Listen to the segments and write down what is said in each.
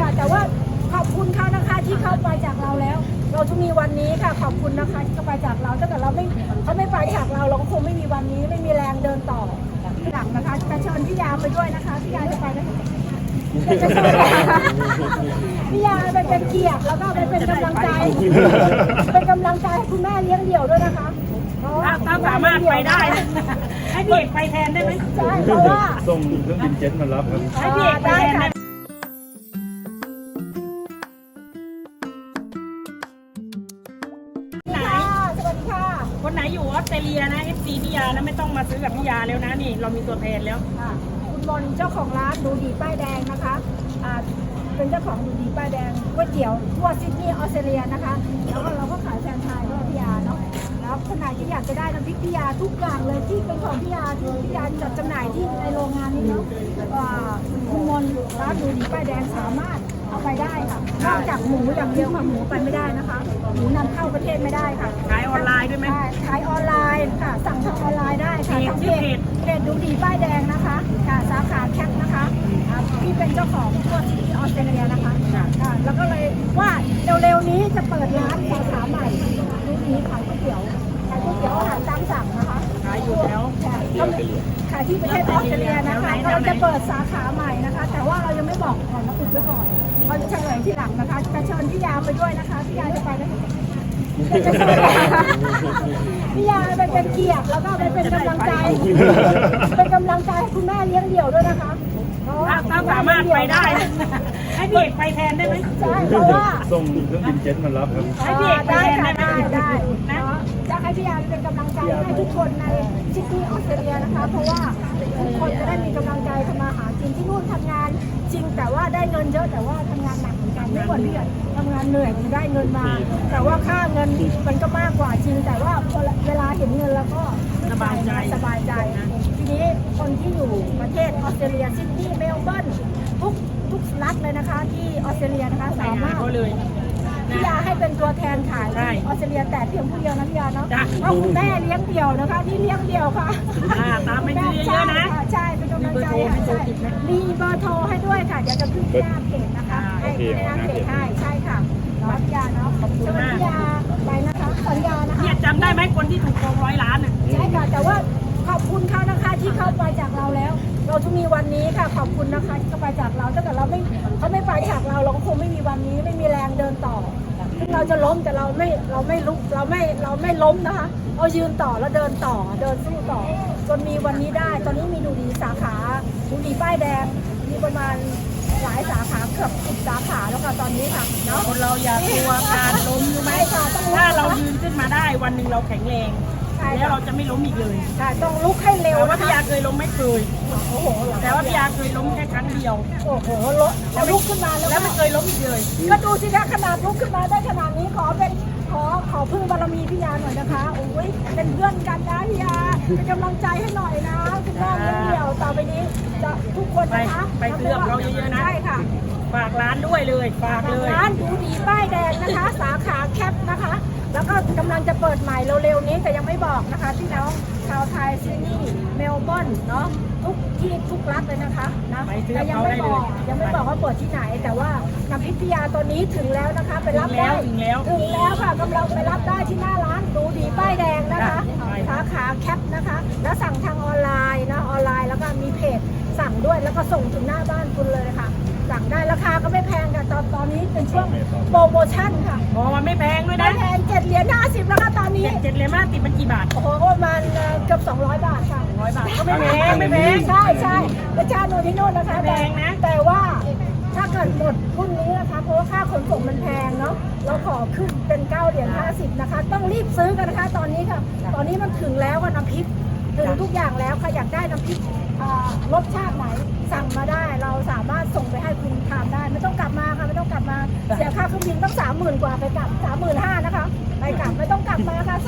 ค่ะแต่ว่าขอบคุณเขานะคะที่เขาไปจากเราแล้ว เราจะมีวันนี้ค่ะขอบคุณนะคะที่เขาไปจากเราถ้าเกิดเราเขาไม่ไปจากเราก็คงไม่มีวันนี้ไม่มีแรงเดินต่อที่หลังนะคะจะเชิญพี่ยาไปด้วยนะคะพี่ยาจะไปนะคะพี่ยาไปเป็นเกียรติแล้วก็ไปเป็นกำลังใจเป็นกำลังใจให้คุณแม่เลี้ยงเดี่ยวด้วยนะคะถ้าสามารถไปได้ให้พี่เอกไปแทนได้ไหมใช่เพราะว่าส่งเครื่องบินเจ็ตมารับครับให้พี่เอกไปแทนได้คนไหนอยู่ออสเตรเลียนะFCพี่ยานะไม่ต้องมาซื้อกับพี่ยาแล้วนะนี่เรามีตัวแทนแล้วคุณบอลเจ้าของร้านดูดีป้ายแดงนะคะเป็นเจ้าของดูดีป้ายแดงก๋วยเตี๋ยวทั่วซิดนีย์ออสเตรเลียนะคะแล้วก็เราก็ขายแฟรนไชส์ด้วยพี่ยาเนาะแล้วคนไหนที่อยากจะได้น้ำพริกพี่ยาทุกอย่างเลยที่เป็นของพี่ยาที่พี่ยาจัดจำหน่ายที่ในโรงงานนี้เนาะคุณบอลร้านดูดีป้ายแดงสามารถเอาไปได้ค่ะนอกจากหมูอย่างเดียวค่ะหมูไปไม่ได้นะคะหมูนำเข้าประเทศไม่ได้ค่ะขายออนไลน์ด้วยไหมขายออนไลน์ค่ะสั่งทางออนไลน์ได้ค่ะทางเพจดูดีป้ายแดงนะคะค่ะสาขาแคปนะคะที่เป็นเจ้าของทั่วที่ออสเตรเลียนะคะแล้วก็เลยว่าเร็วๆนี้จะเปิดร้านสาขาใหม่ดูดีขายก๋วยเตี๋ยวอาหารตามสั่งนะคะขายอยู่แล้วขายที่ประเทศออสเตรเลียนะคะเราจะเปิดสาขาใหม่นะคะแต่ว่าเรายังไม่บอกก่อนนะอุบไว้ก่อนเราจะเฉลยที่หลังนะคะจะเชิญพี่ยาไปด้วยนะคะพี่ยาจะไปนะคะพี่ยาไปเป็นเกียรติแล้วก็ไปเป็นกำลังใจเป็นกำลังใจให้คุณแม่เลี้ยงเดี่ยวด้วยนะคะถ้าสามารถไปได้ให้พี่เอกไปแทนได้ไหมใช่เพราะว่าส่งเครื่องบินเจ็ตมารับครับให้พี่เอกไปแทนได้นะจะให้พี่ยาเป็นกำลังใจให้ทุกคนในซิดนีย์ออสเตรเลียนะคะเพราะว่าทุกคนจะได้มีกำลังใจทำมาหากินที่นู่นทำงานจริงแต่ว่าได้เงินเยอะแต่ว่าทำงานหนักเหมือนกันไม่กว่าที่ทำงานเหนื่อยได้เงินมาแต่ว่าค่าเงินมันก็มากกว่าจริงแต่ว่าเวลาเห็นเงินแล้วก็สบายใจทีนี้คนที่อยู่ประเทศออสเตรเลียซิดนีย์เมลเบิร์นทุกรัฐเลยนะคะที่ออสเตรเลียนะคะสามารถพี่ยาให้เป็นตัวแทนขายที่ออสเตรเลียแต่เพียงผู้เดียวนะพี่ยาเนาะเพราะคุณแม่เลี้ยงเดี่ยวนะคะที่เลี้ยงเดี่ยวค่ะตามไปเยอะๆนะใช่เป็นกำลังใจค่ะใช่มีเบอร์โทรให้ด้วยค่ะเดี๋ยวจะขึ้นที่หน้าเพจนะคะให้หน้าเพจให้ใช่ค่ะเนาะพี่ยาเนาะขอบคุณมากพี่ยาไปนะคะสัญญานะคะเนี่ยจำได้ไหมคนที่ถูกโกง100 ล้านอ่ะใช่ค่ะแต่ว่าขอบคุณเขานะคะที่เขาไปจากเราแล้ว เราจะมีวันนี้ค่ะขอบคุณนะคะที่เขาไปจากเราถ้าเกิดเขาไม่ไปจากเราก็คงไม่มีวันนี้ไม่มีแรงเดินต่อถึงเราจะล้มแต่เราไม่ลุกเราไม่ล้มนะคะเรายืนต่อแล้วเดินต่อเดินสู้ต่อจนมีวันนี้ได้ตอนนี้มีดูดีสาขาดูดีป้ายแดงมีประมาณหลายสาขาเกือบ10 สาขาแล้วค่ะตอนนี้ค่ะเนาะคนเราอย่ากลัวการล้มใช่ไหมถ้าเรายืนขึ้นมาได้วันหนึ่งเราแข็งแรงแล้วเราจะไม่ล้มอีกเลยต้องลุกให้เร็วว่าพี่ยาเคยล้มไม่เคยโอ้โหแต่ว่าพี่ยาเคยล้มแค่ครั้งเดียวโอ้โหลุกขึ้นมาแล้วไม่เคยล้มอีกเลยก็ดูสิคะขนาดลุกขึ้นมาได้ขนาดนี้ขอพึ่งบารมีพี่ยาหน่อยนะคะโอ้ยเป็นเพื่อนกันนะพี่ยาเป็นกำลังใจให้หน่อยนะคุณแม่เลี้ยงเดี่ยวต่อไปนี้จะทุกคนนะคะไปเลือกเราเยอะๆนะใช่ค่ะฝากร้านด้วยเลยฝากเลยร้านดูดีป้ายแดงนะคะสาขาแคปนะคะแล้วก็กำลังจะเปิดใหม่เร็วๆนี้แต่ยังไม่บอกนะคะพี่น้องชาวไทยซิดนีย์เมลเบิร์นเนาะทุกที่ทุกรัฐเลยนะคะนะแต่ยังไม่บอกว่าเปิดที่ไหนแต่ว่าน้ำพริกพิยาตัวนี้ถึงแล้วนะคะไปรับได้ถึงแล้วค่ะกำลังไปรับได้ที่หน้าร้านดูดีป้ายแดงนะคะสาขาแคปนะคะแล้วสั่งทางออนไลน์นะออนไลน์แล้วก็มีเพจสั่งด้วยแล้วก็ส่งถึงหน้าบ้านคุณเลยค่ะสั่งได้ราคาก็ไม่แพงค่ะตอนนี้เป็นช่วงโปรโมชั่นค่ะมันไม่แพงด้วยนะไม่แพง7.50แล้วค่ะตอนนี้ 7.50มันกี่บาทโอ้โหประมาณเกือบ200 บาทค่ะ 100 บาทก็ไม่แพงใช่ประชาชนที่โน่นนะคะแพงนะแต่ว่าถ้าเกิดหมดพรุ่งนี้นะคะเพราะว่าค่าขนส่งมันแพงเนาะเราขอขึ้นเป็น9.50นะคะต้องรีบซื้อกันนะคะตอนนี้ค่ะตอนนี้มันถึงแล้วว่าน้ำพริกถึงทุกอย่างแล้วใครอยากได้น้ำพริกรสชาติไหนสั่งมาได้เราสามารถส่งไปให้คุณทานได้ไม่ต้องกลับมาค่ะไม่ต้องกลับมาเสียค่าเครื่องบินต้อง30,000 กว่าไปกลับ35,000นะคะไปกลับไม่ต้องกลับมาค่ะ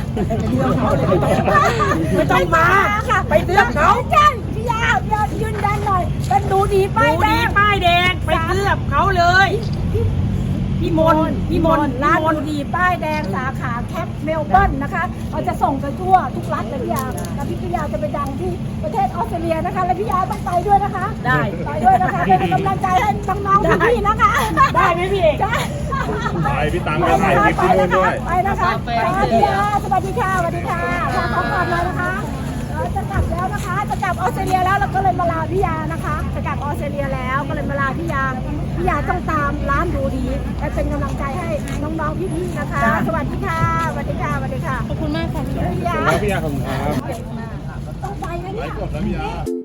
ไม่ต้องมาค่ะไปเลือกเขาใช่พี่ยายืนยันหน่อยเป็นดูดีป้ายแดงไปเลือกเขาเลยพี่มนร้านดูดีป้ายแดงสาขาแคปเมลเบิร์นนะคะเราจะส่งไปทั่วทุกรัฐเลยพี่ยาแล้วพี่ยาจะไปดังที่ประเทศออสเตรเลียนะคะและพี่ยาต้องไปด้วยนะคะได้ไปด้วยนะคะเป็นกำลังใจให้น้องๆพี่นะคะไหมพี่เอกไปพี่ตังก็ถ่ายคลิปที่นู่นด้วยไปนะคะพี่ยาสวัสดีค่ะสวัสดีค่ะขอขอบเลยนะคะจะกลับแล้วนะคะจะกลับออสเตรเลียแล้วเราก็เลยมาลาพี่ยานะคะจะกลับออสเตรเลียแล้วก็เลยมาลาพี่ยาต้องตามร้านดูดีและเป็นกำลังใจให้น้องๆพี่ๆนะคะสวัสดีค่ะสวัสดีค่ะสวัสดีค่ะขอบคุณมากค่ะพี่ยาแล้วพี่ยาขอบคุณครับต้องไปนะเนี่ยจบแล้วพี่ยา